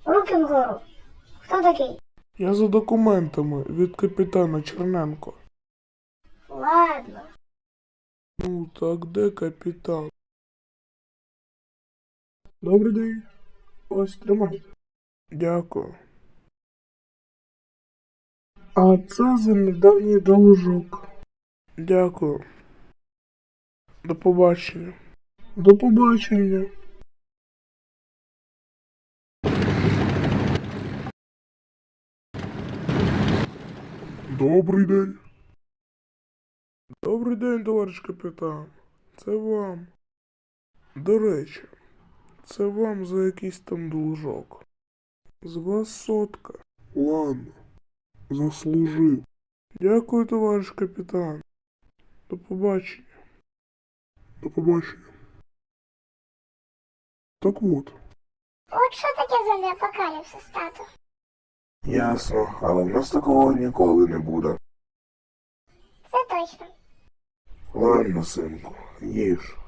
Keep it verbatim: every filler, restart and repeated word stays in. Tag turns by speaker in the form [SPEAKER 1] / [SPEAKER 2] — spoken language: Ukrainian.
[SPEAKER 1] Руки вгору. Хто такий?
[SPEAKER 2] Я за документами від капітана Черненко.
[SPEAKER 1] Ладно.
[SPEAKER 2] Ну так де капітан? Добрий день. Ось тримайте. Дякую. А це за недавній должок. Дякую. До побачення. До побачення. Добрий день. Добрий день, товариш капітан. Це вам. До речі, це вам за якийсь там должок. З вас сотка. Ладно. Заслужив. Дякую, товариш капітан. До побачення. До побачення. Так от.
[SPEAKER 1] От що таке зомбі-апокаліпсис, тато?
[SPEAKER 2] Ясно, але в нас такого ніколи не буде.
[SPEAKER 1] Це точно.
[SPEAKER 2] Ладно, синку, їж.